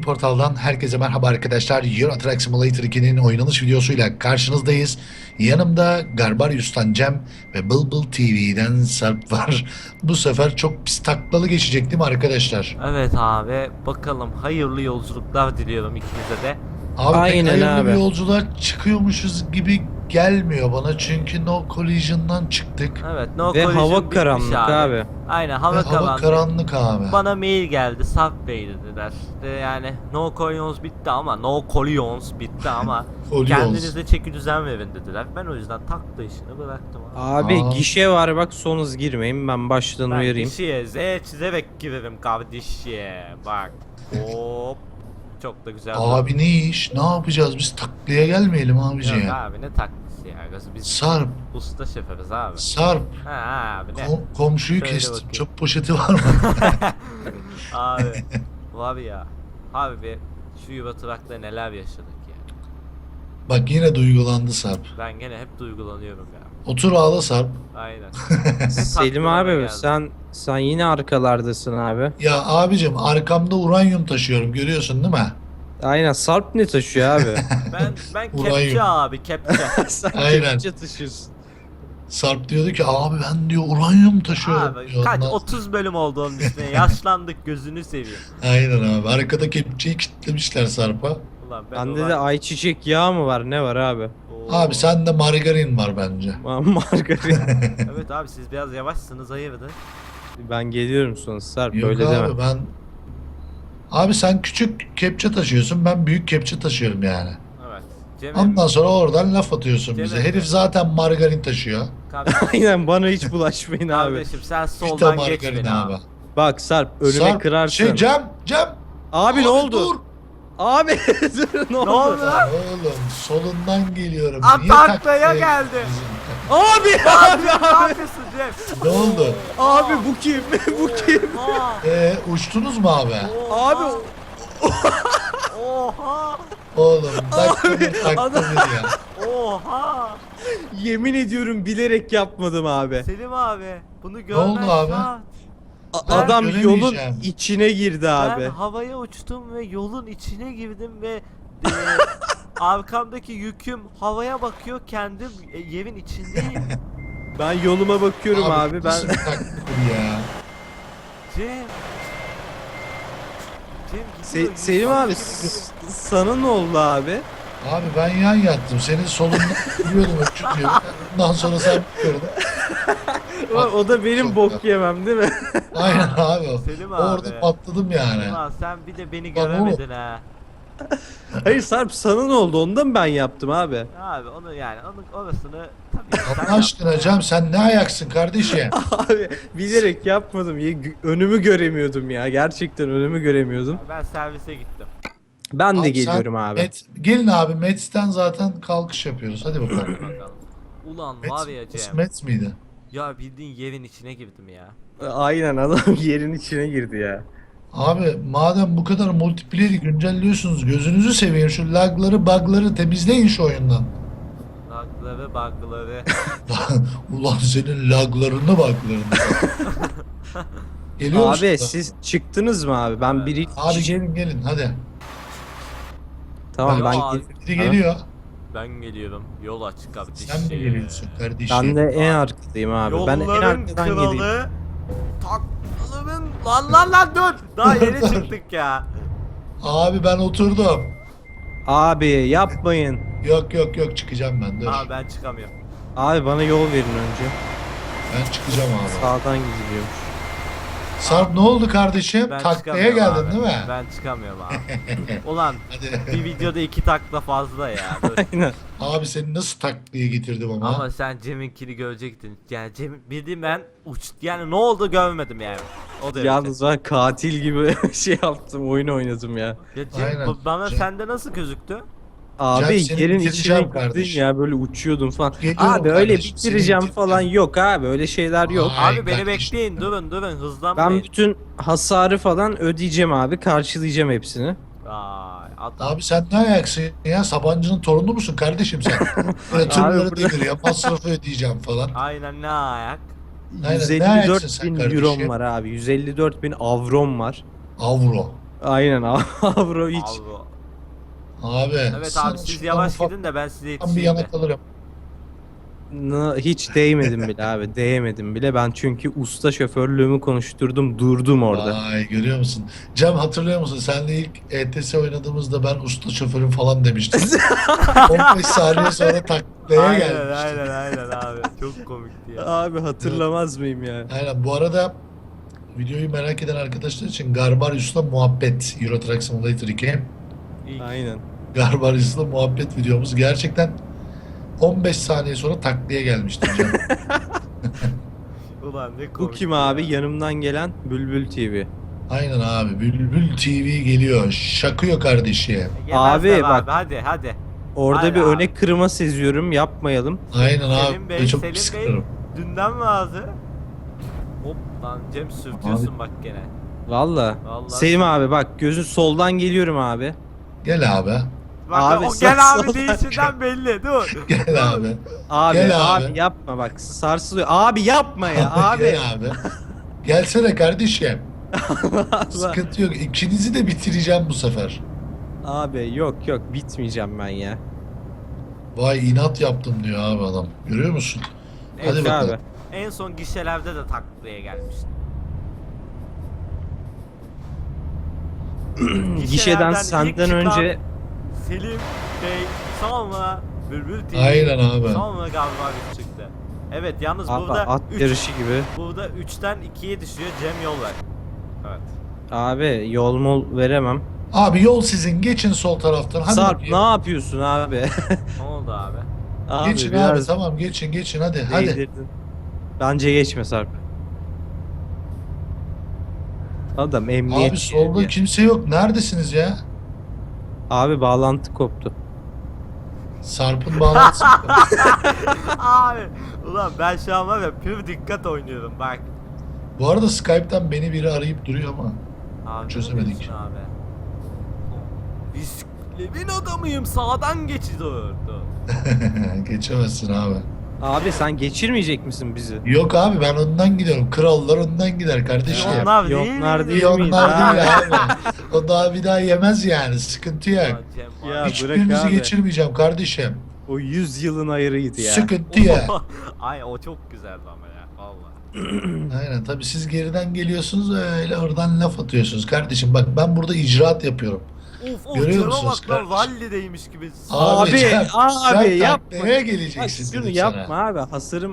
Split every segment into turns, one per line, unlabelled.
Portal'dan herkese merhaba arkadaşlar. Euro Truck Simulator 2'nin oynanış videosuyla karşınızdayız. Yanımda Garbarius'tan Cem ve Bulbul TV'den Sarp var. Bu sefer çok pis taklalı geçecek değil mi arkadaşlar?
Evet abi, bakalım, hayırlı yolculuklar diliyorum ikinize de.
Abi pek
Aynen
hayırlı
abi.
bir yolculuğa çıkıyormuşuz gibi gelmiyor bana. Çünkü No Collision'dan çıktık.
Evet, no
Ve
collision
hava
bitmiş
karanlık abi.
Aynen,
Ve
hava
hava karanlık abi.
Bana mail geldi, Sarp Bey dediler. Yani no collisions bitti ama no collisions bitti ama
Collisions.
kendinize çeki düzen verin dediler. Ben o yüzden takla işini bıraktım abi.
Abi
Aa.
gişe var bak, son hız girmeyin, ben baştan
Ben
uyarayım.
kişiye Z çizerek girerim kardeşim. Bak. Hop. Çok da güzel.
Abi ne iş? Ne yapacağız? Biz taklaya gelmeyelim abici
Yok
ya.
abi, ne taklası ya. Biz
Sarp,
usta şeferiz abi.
Sarp.
Ha abi, ne?
Komşuyu
Söyle
kestim.
bakayım.
Çöp poşeti var mı?
Abi var ya, abi bir şu Euro Truck'ta neler yaşadık ya.
Bak yine duygulandı Sarp.
Ben gene hep duygulanıyorum ya.
Otur ağla Sarp.
Aynen.
Selim
tatlı
abi,
bana geldi.
sen yine arkalardasın abi.
Ya abicim arkamda uranyum taşıyorum görüyorsun değil mi?
Aynen, Sarp ne taşıyor abi?
Ben
Uranyum.
kepçe abi, kepçe.
Sen
Aynen.
kepçe taşıyorsun.
Sarp diyordu ki abi ben diyor uranyum taşıyorum
Abi
diyor.
kaç
Ondan-
30 bölüm oldu onun üstüne. Yaşlandık, gözünü seveyim.
Aynen abi arkada kepçeyi kilitlemişler Sarp'a.
Ulan
Bende de ayçiçek yağı mı var, ne var abi?
Oo.
Abi sende margarin var bence.
Margarin.
Evet abi, siz biraz yavaşsınız, hayırdır?
Ben geliyorum sonra Sarp,
Yok
öyle
abi
deme.
ben... Abi sen küçük kepçe taşıyorsun ben büyük kepçe taşıyorum yani.
Evet. Cem'im,
Ondan sonra oradan laf atıyorsun bize.
Cemil.
Herif zaten margarin taşıyor.
Aynen, bana hiç bulaşmayın abi.
kardeşim sen
Vita
soldan geç
margarin
beni abi.
abi.
Bak Sarp, önüme
Sarp,
kırarsın.
Cem.
Abi ne oldu?
Dur.
Abi dur, ne oldu?
oldu lan?
Oğlum solundan geliyorum.
Aa,
Niye
taklaya
taklaya
geldi.
bizim-
Abi
Ne yapıyorsun Cem?
Ne oldu?
abi bu kim? Bu kim?
Oha.
Uçtunuz mu abi?
Abi
Oha.
Oğlum takla
adam-
bir ya.
Oha.
yemin ediyorum bilerek yapmadım abi.
Selim abi, bunu
oldu
görmen
abi?
şart. Ben
Adam yolun
göremeyeceğim.
içine girdi abi.
Ben havaya uçtum ve yolun içine girdim ve arkamdaki yüküm havaya bakıyor, kendim yerin içindeyim.
Ben yoluma bakıyorum abi. Ben
Nasıl bir takla bu ya?
Cem. Cem gidiyor,
Selim
yük
abi,
gibi gidiyor.
sana ne oldu abi?
Abi ben yan yattım. Senin solundan yürüyordum öpüyor. Ondan sonra sen gördün.
O da benim
Çok
bok
da.
yemem değil mi?
Aynen abi.
Selim abi.
Orada patladım yani.
Ulan sen bir de beni
Lan
göremedin ha.
Hayır Sarp, sana ne oldu? Ondan mı ben yaptım abi?
Abi onu yani, onun orasını tabii sen
Allah aşkına
yaptın.
Cem sen ne ayaksın kardeşim?
Abi bilerek yapmadım. Önümü göremiyordum ya. Gerçekten önümü göremiyordum.
Ben servise gittim.
Ben de
Abi
geliyorum
sen
abi.
Gelin abi Mets'ten zaten kalkış yapıyoruz. Hadi bakalım.
Bakalım. Ulan var ya Cem.
Mets miydi?
Ya bildiğin yerin içine girdim ya.
Aynen, adam yerin içine girdi ya.
Abi madem bu kadar multiplayer'i güncelliyorsunuz gözünüzü seveyim şu lagları bug'ları temizleyin şu oyundan.
Lagları bugları.
Ulan senin laglarını bug'larını. Geliyor musun
Abi
da?
siz çıktınız mı abi? Ben biri
Abi
içeceğim.
gelin hadi.
Tamam
Ya,
ben
Biri geliyor.
Ben geliyorum. Yol açık kardeşim.
Sen mi geliyorsun kardeşim?
ben de en arkadayım abi. Ben en
Yolların
arkadan geleyim.
kralı. Taklaların. Lan dur. Daha yeni çıktık ya.
Abi ben oturdum.
Abi yapmayın.
Yok çıkacağım ben dur.
Aa, ben çıkamıyorum.
Abi bana yol verin önce.
Ben çıkacağım abi.
Sağdan gidiliyor.
Sarp ne oldu kardeşim?
Ben
Taklaya
çıkamıyorum
geldin
abi.
değil mi?
Ben çıkamıyorum abi. Ulan
Hadi.
bir videoda 2 takla fazla ya. Dur.
Aynen.
Abi seni nasıl taklaya getirdim ama.
Ama sen Cem'inkini görecektin. Yani Cem bildiğim ben yani ne oldu görmedim yani. O derece.
Yalnız ben katil gibi şey yaptım, oyun oynadım ya.
Ya Cem,
Aynen.
bana
Cem-
sende nasıl gözüktü?
Abi
seni
yerin içine
bitireceğim
girdin
kardeşim.
ya, böyle uçuyordun falan.
Geliyorum
Abi öyle
kardeşim, seni
bitireceğim
bitireceğim.
falan yok abi, öyle şeyler yok.
Ay
Abi beni
kardeşim.
bekleyin, durun
Ben
hızlanmayın.
bütün hasarı falan ödeyeceğim abi, karşılayacağım hepsini.
Vay adam.
Abi sen ne ayaksın ya? Sabancı'nın torunu musun kardeşim sen? Böyle tırları
burada-
devir ya masrafı ödeyeceğim falan.
Aynen, ne ayak.
Aynen, ne
154
ayaksın sen
bin
kardeşim?
eurom var abi, 154 bin avrom var.
Avro.
Aynen Avro hiç.
Abi.
Abi.
Evet
sana
abi siz
şuradan
yavaş
ufak
gidin de ben size
bir
yetişeyim de.
yana kalırım.
Hiç değmedim bile abi. Değmedim bile. Ben çünkü usta şoförlüğümü konuşturdum. Durdum orada.
Vay görüyor musun? Cem hatırlıyor musun? Seninle ilk ETS oynadığımızda ben usta şoförüm falan demiştim. 15 saniye sonra taklaya
Aynen
gelmiştim.
aynen abi. Çok komikti ya.
Abi hatırlamaz mıyım ya?
Aynen bu arada videoyu merak eden arkadaşlar için Garbarius'la muhabbet Euro Truck Simulator 2.
İlk.
Aynen.
Garbarius'la muhabbet videomuz gerçekten 15 saniye sonra taklaya gelmiştim Cem.
Ulan ne komik.
Bu kim abi? Yanımdan gelen Bülbül TV.
Aynen abi Bülbül TV geliyor. Şakıyor kardeşi.
Abi
Abi
bak.
hadi hadi.
Orada
Hayır
bir
abi.
öne kırma seziyorum. Yapmayalım.
Aynen
Selim
abi.
Bey,
Çok
Selim
pis
Bey.
kırarım.
Dünden mi ağzı? Hop lan Cem sürtüyorsun bak gene.
Valla.
Vallahi.
Selim abi bak gözün soldan geliyorum abi.
Gel abi.
Bak
Abi,
o gel
sağ-
abi
sol-
değişinden belli dur.
Gel abi.
Abi
Gel
abi.
abi.
Yapma bak sarsılıyor. Abi yapma ya abi.
Gel abi. Gelsene kardeşim.
Allah.
Sıkıntı yok. İkinizi de bitireceğim bu sefer.
Abi yok bitmeyeceğim ben ya.
Vay inat yaptım diyor abi adam. Görüyor musun? Hadi
Yok
bakalım.
abi.
En son gişelerde de taklaya gelmişti.
Gişeden
ilk
senden
çıkan
önce
Selim Bey sonra Bülbül TV
Aynen abi.
sonra galiba bir çıktı. Evet yalnız
abi,
burada
at yarışı gibi.
burada 3'ten 2'ye düşüyor Cem yol ver. Evet.
Abi yol mol veremem.
Abi yol sizin. Geçin sol taraftan. Hadi
Sarp
bakayım.
ne yapıyorsun abi?
Ne oldu abi?
Abi
Geçin abi.
biraz
Tamam geçin hadi. Hadi.
değdirdin. Bence geçme Sarp. Adam emniyet
Abi solda
şeridi.
kimse yok. Neredesiniz ya?
Abi bağlantı koptu.
Sarp'ın bağlantısı.
Abi ulan ben şu an var ya pür dikkat oynuyorum bak.
Bu arada Skype'tan beni biri arayıp duruyor ama.
Abi
Çözemedik.
ne diyorsun abi? Bisikletin adamıyım sağdan geçiyordu.
Geçemezsin abi.
Abi sen geçirmeyecek misin bizi?
Yok abi ben önden gidiyorum. Krallar önden gider kardeşim.
Onlar değil
Yonlar
miydi?
değil
İyi
miydi?
onlar
Ha.
değil abi. O daha bir daha yemez yani. Sıkıntı yok.
Ulan Cem var
Ya
ya.
Hiçbirinizi
bırak abi.
geçirmeyeceğim kardeşim.
O 100 yılın ayırıydı ya.
Sıkıntı ya.
Ay o çok güzeldi ama ya vallahi.
Aynen tabii siz geriden geliyorsunuz öyle oradan laf atıyorsunuz kardeşim. Bak ben burada icraat yapıyorum.
Of
Görüyor
Cem'e
musunuz
bak lan
kardeşim?
rallideymiş gibi.
Abi,
Cem,
abi
sen
yapma.
taklaya
Bak
geleceksin
şunu
dedim
yapma
sana.
abi.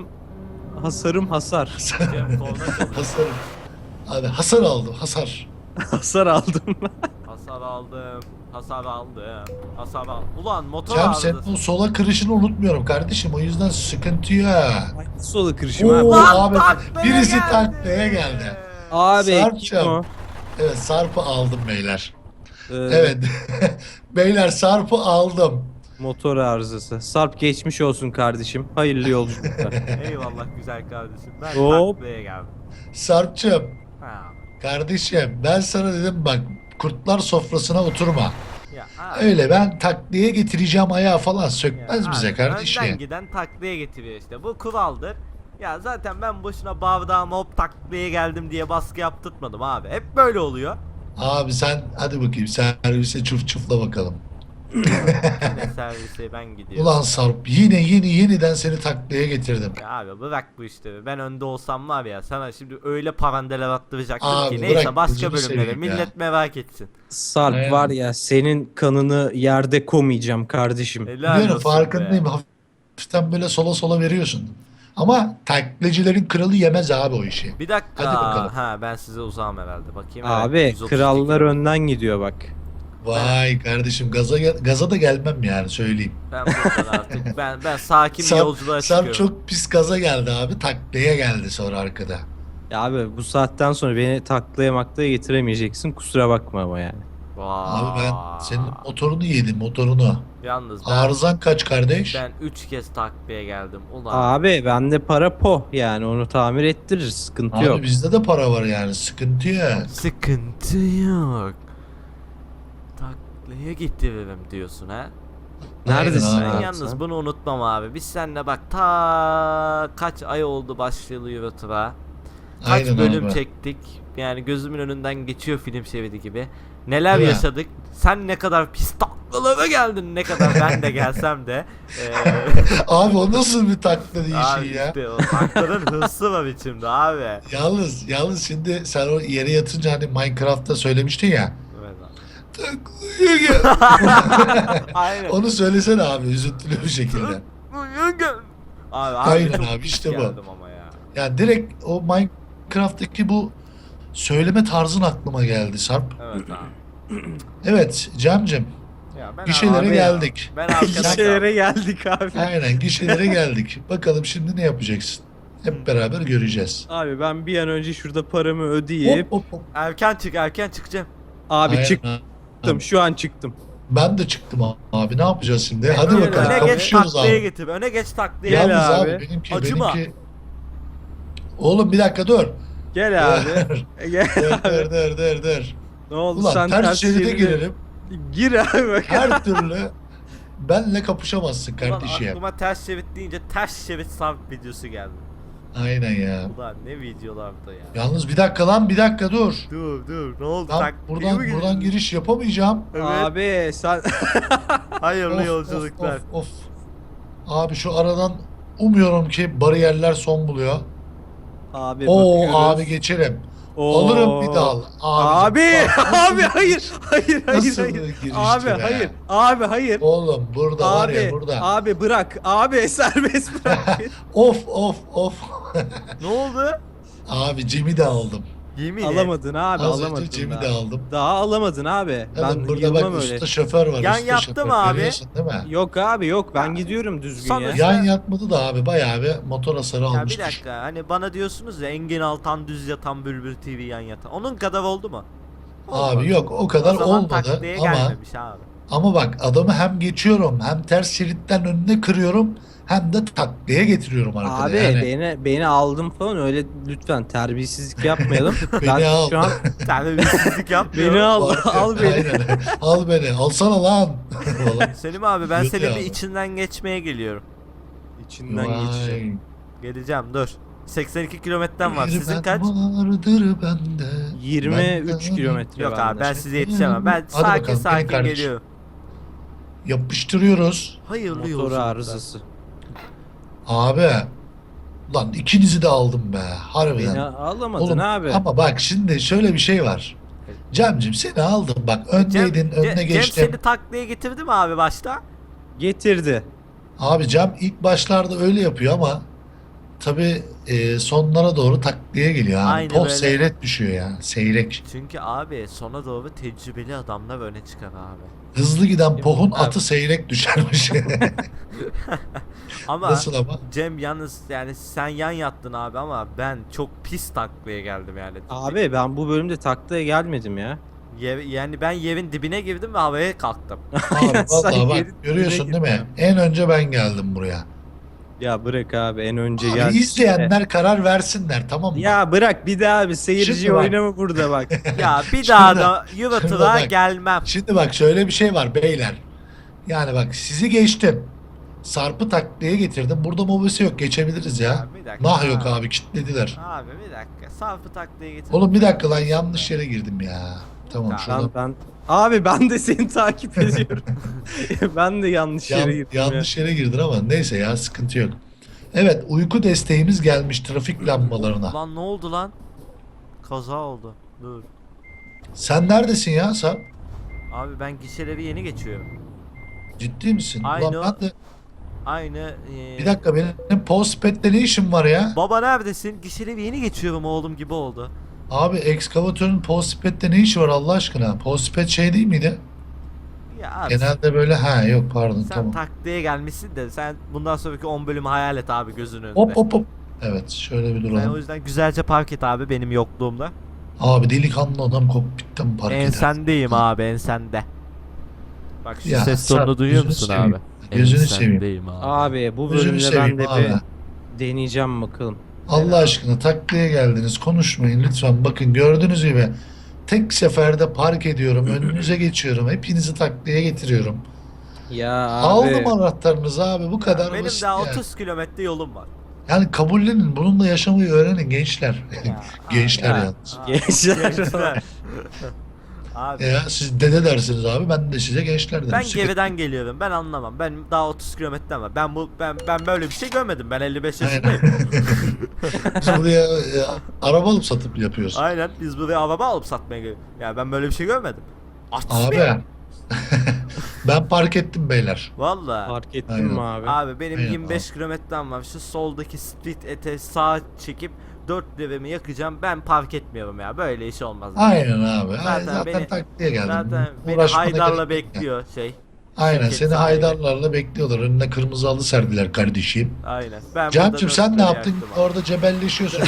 Hasarım hasar.
Cem koluna çalıyor.
Hasar. Abi hasar aldım hasar.
Hasar aldım.
Hasar aldım. Hasar aldım. Hasar aldım. Ulan motor
Cem senin
arızası.
o sola kırışını unutmuyorum kardeşim. O yüzden sıkıntı ya.
Solu kırışım
Oo,
abi.
Lan
abi
taklaya
birisi
geldi.
taklaya geldi.
Abi
Sarp'cığım.
kim o?
Evet Sarp'ı aldım beyler.
Ee,
Evet. Beyler Sarp'ı aldım.
Motor arızası. Sarp geçmiş olsun kardeşim. Hayırlı yolculuklar.
Eyvallah güzel kardeşim. Ben
Hop.
taklaya geldim.
Sarp'cığım
Ha.
kardeşim ben sana dedim bak kurtlar sofrasına oturma.
Ya abi.
Öyle ben takliye getireceğim ayağı falan
Ya
sökmez
abi,
bize
Önden
kardeşim.
giden taklaya getiriyor işte. Bu kuraldır. Ya zaten ben boşuna bardağıma hop taklaya geldim diye baskı yaptırtmadım abi. Hep böyle oluyor.
Abi sen hadi bakayım servise çuf çufla bakalım.
Yine servise ben gidiyorum.
Ulan Sarp yeniden seni taklaya getirdim.
Ya abi bırak bu işte. Ben önde olsam var ya sana şimdi öyle parandeler attıracaktım
Abi
ki. Neyse
bırak,
başka
gözünü
bölümlere
seveyim ya.
millet merak etsin.
Sarp
Aynen.
var ya senin kanını yerde komayacağım kardeşim.
Helal
Biliyorum
olsun
farkındayım.
be.
Hafiften böyle sola veriyorsun. Ama taklacıların kralı yemez abi o işi.
Bir dakika.
Hadi bakalım.
Ha ben size uzağım herhalde. Bakayım.
Abi
evet, 132
krallar
kilometre.
önden gidiyor bak.
Vay kardeşim gaza da gelmem yani söyleyeyim.
Ben buradan artık ben sakin bir yolculuğa
Sarp
çıkıyorum.
çok pis gaza geldi abi. Taklaya geldi sonra arkada.
Ya abi bu saatten sonra beni taklaya maklaya getiremeyeceksin. Kusura bakma ama yani.
Vay.
Abi ben senin motorunu yedim motorunu.
Yalnız
Arızan kaç kardeş?
ben 3 kez taklaya geldim. Ulan.
Abi bende para po yani onu tamir ettirir sıkıntı
Abi
yok.
bizde de para var yani sıkıntı ya.
Sıkıntı yok. Taklaya getiririm diyorsun ha.
Neredesin
Aynen
Ben
abi.
abi
yalnız
sen?
bunu unutmam abi. Biz seninle bak ta kaç ay oldu başlayalı YouTube'a. Kaç
Aynen
bölüm
abi.
çektik. Yani gözümün önünden geçiyor film şeridi gibi. Neler
Değil mi?
yaşadık. Sen ne kadar pis taklalara geldin, ne kadar ben de gelsem de.
Abi o nasıl bir takla
Abi
değişiği ya?
işte o taklaların hırsı var içimde abi.
Yalnız şimdi sen o yere yatınca hani Minecraft'ta söylemiştin ya.
Evet abi.
Taklaya gel.
Aynen.
Onu söylesene abi üzüntülü bir şekilde.
Abi,
Aynen
çok
abi,
pis
işte bu.
geldim ama ya.
Yani direkt o Minecraft'taki bu söyleme tarzın aklıma geldi Sarp.
Evet abi.
Evet Cem'cim,
Ya ben
gişelere
abi-
geldik.
Ben arkadaş
Gişelere geldik abi.
Aynen gişelere geldik. Bakalım şimdi ne yapacaksın? Hep beraber göreceğiz.
Abi ben bir an önce şurada paramı ödeyip
Hop hop hop.
erken çıkacağım.
abi
Aynen.
çıktım. Şu an çıktım.
Ben de çıktım abi. Ne yapacağız şimdi? Hadi
Öyle
bakalım.
abi.
Öne geç
Kapışıyoruz
taklaya
abi.
getir. Öne geç taklaya.
Gel
Yalnız
abi.
abi benimki
Acıma.
Oğlum bir dakika dur.
Gel abi. Gel
Dur
abi.
dur.
Ne oldu
Ulan
sen
ters şeride
şeride-
girelim.
Gir abi bak.
Her türlü benle kapışamazsın
Ulan
kardeşim.
aklıma ters şerit deyince ters şerit Sarp videosu geldi.
Aynen ya.
Ulan ne videolardı ya.
Yalnız bir dakika lan bir dakika dur.
Dur ne oldu?
Ben
Taklaya mı
buradan
girdin?
giriş yapamayacağım.
Evet.
Abi sen
Hayırlı
Of,
yolculuklar.
of. Abi şu aradan umuyorum ki bariyerler son buluyor.
abi
Oo
bakıyoruz.
abi geçerim.
Oo.
Alırım bir dal.
Abi
Bak, nasıl
abi
bir
hayır
Nasıl
hayır.
bir girişti
Abi
be?
hayır. Abi hayır.
Oğlum burada var ya
Abi
burada.
abi bırak. Abi serbest bırak.
Of.
Ne oldu?
Abi Cem'i de aldım.
Yemin et.
Alamadın abi
Az
alamadın.
önce Cem'i
daha.
de aldım.
Daha alamadın abi.
Evet,
Ben
burada
yılmam
bak
öyle.
usta şoför var.
Yan
usta
yattı
şoför.
mı abi?
Görüyorsun değil mi?
Yok abi yok ben gidiyorum düzgün
Sana-
ya.
Yan yatmadı da abi bayağı bir motor hasarı
Ya bir
almıştır.
dakika hani bana diyorsunuz ya Engin Altan düz yatan Bülbül TV yan yatan. Onun kadar oldu mu?
Abi yok o kadar
o zaman
olmadı
taktiğe
ama
gelmemiş abi.
bak adamı hem geçiyorum hem ters şeritten önüne kırıyorum hem de taklaya getiriyorum arkada.
Abi
Yani
beni aldım falan öyle lütfen terbiyesizlik yapmayalım.
Beni
ben
al.
şu an
Terbiyesizlik yapmıyorum.
beni al al beni.
Aynen. Al beni. Alsana lan. Falan.
Selim abi ben
Diyordu
senin
ya
bir
abi.
içinden geçmeye geliyorum.
İçinden
Vay.
geçeceğim.
Geleceğim dur. 82 kilometrem var.
Bir
Sizin
ben
kaç?
vardır bende.
23
Benden-
kilometre
Yok
bende.
abi ben size yetişemem. Ben
Hadi
sakin
bakalım,
sakin
benim kardeşim.
geliyorum.
Yapıştırıyoruz.
Hayırlı
Motor
yolculuklar.
arızası.
Abi. Lan ikinizi de aldım be. Harbiden.
Beni alamadın
Oğlum,
abi.
ama bak şimdi şöyle bir şey var. Cem'cim seni aldım bak öndeydin önüne
Cem
geçtim.
seni taklaya getirdi mi abi başta?
Getirdi.
Abi Cem ilk başlarda öyle yapıyor ama tabi sonlara doğru taklaya geliyor abi.
Aynen
Poh
öyle.
seyrek düşüyor ya. Seyrek.
Çünkü abi sona doğru tecrübeli adamlar öne çıkar abi.
Hızlı giden pohun
Abi.
atı seyrek düşermiş.
Ama
Nasıl ama?
Cem yalnız yani sen yan yattın abi ama ben çok pis taklaya geldim yani.
Abi ben bu bölümde taklaya gelmedim ya.
Yani ben yerin dibine girdim ve havaya kalktım.
Abi
Sen
vallahi bak
geri-
görüyorsun
geri
değil mi?
gitme.
En önce ben geldim buraya.
Ya bırak abi en önce
Abi
gel.
izleyenler karar versinler tamam mı?
Ya bırak bir daha abi seyirci
Şimdi bak.
oynama burada bak.
Ya bir daha
Şimdi-
da
şimdi
Yuvatı'la
bak.
gelmem.
Şimdi bak şöyle bir şey var beyler. Yani bak sizi geçtim. Sarp'ı taklaya getirdim. Burada mobese yok. Geçebiliriz ya.
Ya bir dakika.
Nah yok abi kilitlediler.
Abi bir dakika. Sarp'ı taklaya getir.
Oğlum bir dakika lan yanlış yere girdim ya. Tamam
Ya,
şurada.
ben abi ben de seni takip ediyorum. Ben de yanlış yere girdim ya.
Yanlış yere girdin ama neyse ya sıkıntı yok. Evet uyku desteğimiz gelmiş trafik lambalarına.
Lan ne oldu lan? Kaza oldu. Dur.
Sen neredesin ya Sarp?
Abi ben gişeleri yeni geçiyorum.
Ciddi misin?
Aynı
Ulan ben de
Aynı.
bir dakika benim postpet'te ne işim var ya?
Baba neredesin? Gişeleri yeni geçiyorum oğlum gibi oldu.
Abi ekskavatörün postpet'te ne işi var Allah aşkına? Postpet şey değil miydi?
Ya abi
Genelde böyle ha yok pardon
sen
tamam.
taklaya gelmişsin de sen bundan sonraki 10 bölümü hayal et abi gözünün önünde.
Hop. Evet şöyle bir
Sen o
duralım.
yüzden güzelce park et abi benim yokluğumda.
Abi delikanlı adam kokpitten park eder.
Ensendeyim abi ensende. Bak şu
Ya,
ses tonunu
Sarp,
duyuyor
gözünü
musun
seveyim.
abi?
Gözünü
Ensendeyim abi.
Abi bu
Gözünü
bölümde ben
seveyim
de
abi.
bir deneyeceğim bakalım.
Allah aşkına taklaya geldiniz konuşmayın lütfen bakın gördüğünüz gibi tek seferde park ediyorum önünüze geçiyorum hepinizi taklaya getiriyorum.
Ya abi.
Aldım anahtarınızı abi bu kadar
Benim
basit
daha
yani.
30 kilometre yolum var.
Yani kabullenin. Bununla yaşamayı öğrenin gençler.
Ya,
Gençler
ya.
yalnız.
Gençler.
Gençler. Abi
Ya siz dede dersiniz abi. Ben de size gençler derim.
ben
Sıkıntı-
geriden geliyorum. Ben anlamam. Ben daha 30 kilometre var. Ben böyle bir şey görmedim. Ben 55 yaşındayım.
Aynen. Biz buraya araba alıp satıp yapıyoruz.
Aynen. Biz buraya araba alıp satmaya geliyoruz. Ya ben böyle bir şey görmedim. Artist
Abi.
miyim?
Ben park ettim beyler.
Valla.
Fark ettin
Aynen.
mi abi?
Abi benim
Aynen
25 kilometrem var. Şu soldaki street ete sağa çekip 4 liramı yakacağım. Ben park etmiyorum ya. Böyle iş olmaz.
Aynen abi.
Zaten
Zaten
beni-
taktiğe geldim.
Zaten beni
Uğraşmana
Haydar'la
gerek yok ya.
bekliyor şey.
Aynen
şirket
seni
sahibi.
Haydarlarla bekliyorlar. Önüne kırmızı halı serdiler kardeşim.
Aynen. Ben
Cem'cim
burada
sen ne
dört lira
yaptın?
yaktım abi.
Orada cebelleşiyorsun.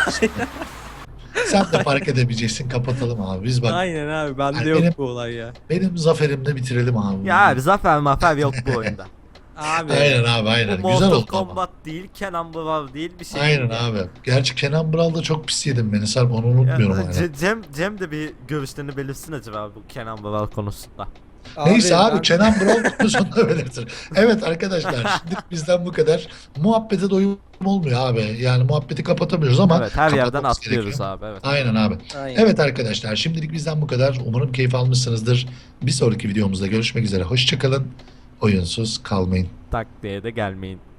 Sen de park edemeyeceksin. Kapatalım abi. Biz bak
Aynen abi bende
Yani
yok
benim-
bu olay ya.
benim zaferimde bitirelim abi.
Ya abi zafer mafer yok bu oyunda.
Abi.
Aynen abi aynen.
Bu
Güzel
Mortal
oldu ama.
Kombat değil, Kenan Brav değil bir şey
Aynen
değil.
abi. Gerçi Kenan Bral'da çok pis yedim beni Sarp. Onu unutmuyorum
Ya,
hala.
Cem de bir görüşlerini belirtsin acaba bu Kenan Brav konusunda.
Neyse abi
ben-
Kenan Bral konusunda belirtir. Evet arkadaşlar şimdi bizden bu kadar. Muhabbete doyum olmuyor abi. Yani muhabbeti kapatamıyoruz ama
Evet her yerden
kapatmamız
atlıyoruz
gerekiyor.
abi evet.
Aynen abi.
Aynen.
Evet arkadaşlar şimdilik bizden bu kadar. Umarım keyif almışsınızdır. Bir sonraki videomuzda görüşmek üzere. Hoşçakalın. Oyunsuz kalmayın.
Takliye de gelmeyin.